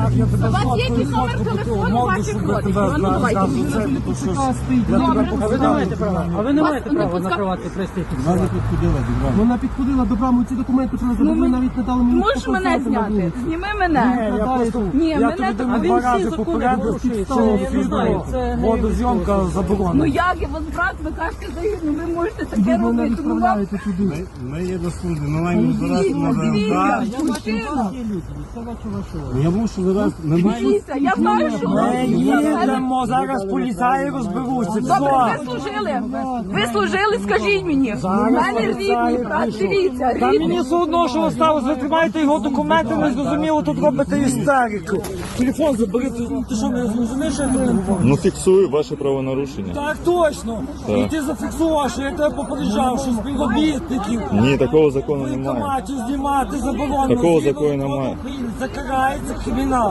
як я тебе У вас є сфоткаю, якийсь номер сфоткаю телефону морду, ваших щоб я родичів? тебе А ну, давайте скажу мені. це, бо то щось. Я Добре. тебе А ви не маєте права. А ви не Вас маєте не права пускав- накривати пристрій. Вона підходила до брами. Вона підходила до брами, ці документи, що Ну, ви навіть не дали мені. можеш мене показати на зняти? вулиці. Зніми Ні, мене. я просто, Ні, я мене тобі так- дам А він два всі рази закони попередив, порушує, що це я не знаю, це не водозйомка Ну заборонена. як я вас брат, ви кажете, ну ви можете таке Ви мене робити. Ну вам відправляєте туди. Ми є до служби, ми маємо збиратися на ВЛК. дивіться, Я бачу, мужчина. вас є люди, це бачу вашого. Я мушу зараз, ми маємо... Дивіться, я знаю, що Ми їдемо, зараз поліцаї розберуться. Добре, Все. ви служили. Ви служили, скажіть мені. У мене рідний брат, дивіться, Та мені рідний. все одно, що ви сталося, ви тримаєте його документи, не зрозуміло, тут робите істерику. Телефон забери, ти що, не зрозумієш, що я тобі говорю? Ну фіксую ваше правонарушення. Так точно. І ти зафіксував, що я тебе попереджав, що співробітників Ні, такого закону немає. виконати, знімати заборонено. Такого Згідно закону Закону немає. України Закарається кримінал.